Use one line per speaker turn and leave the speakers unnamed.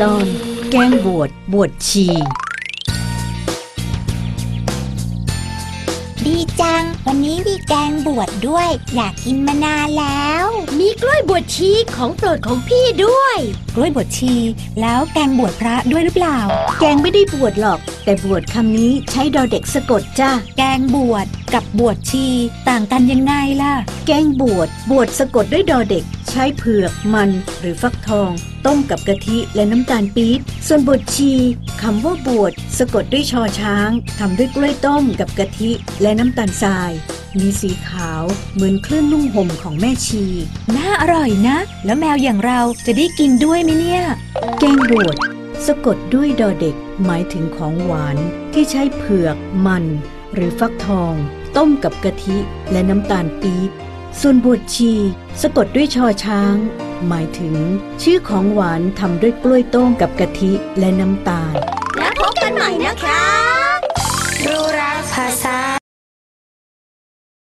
ตอนแกงบวชบวชชี
ดีจังวันนี้มีแกงบวชด้วยอยากกินมานานแล้ว
มีกล้วยบวชชีของโปรดของพี่ด้วย
กล้วยบวชชีแล้วแกงบวชพระด้วยหรือเปล่า
แกงไม่ได้บวชหรอกแต่บวชคำนี้ใช้ดอเด็กสะกดจ้า
แกงบวชกับบวชชีต่างกันยังไงล่ะ
แกงบวชสะกดด้วยดอเด็กใช้เผือกมันหรือฟักทองต้มกับกะทิและน้ำตาลปี๊บส่วนบวชชีคำว่าบวชสะกดด้วยชอช้างทำด้วยกล้วยต้มกับกะทิและน้ำตาลทรายมีสีขาวเหมือนเครื่องนุ่งห่มของแม่ชี
น่าอร่อยนะแล้วแมวอย่างเราจะได้กินด้วยไหมเนี่ย
แกงบวชสะกดด้วยดอเด็กหมายถึงของหวานที่ใช้เผือกมันหรือฟักทองต้มกับกะทิและน้ำตาลปี๊บส่วนบวชชีสะกดด้วยชอช้างหมายถึงชื่อของหวานทำด้วยกล้วยต้มกับกะทิและน้ำตาล
แล้วพบกันใหม่นะคะ
รู้รักภาษา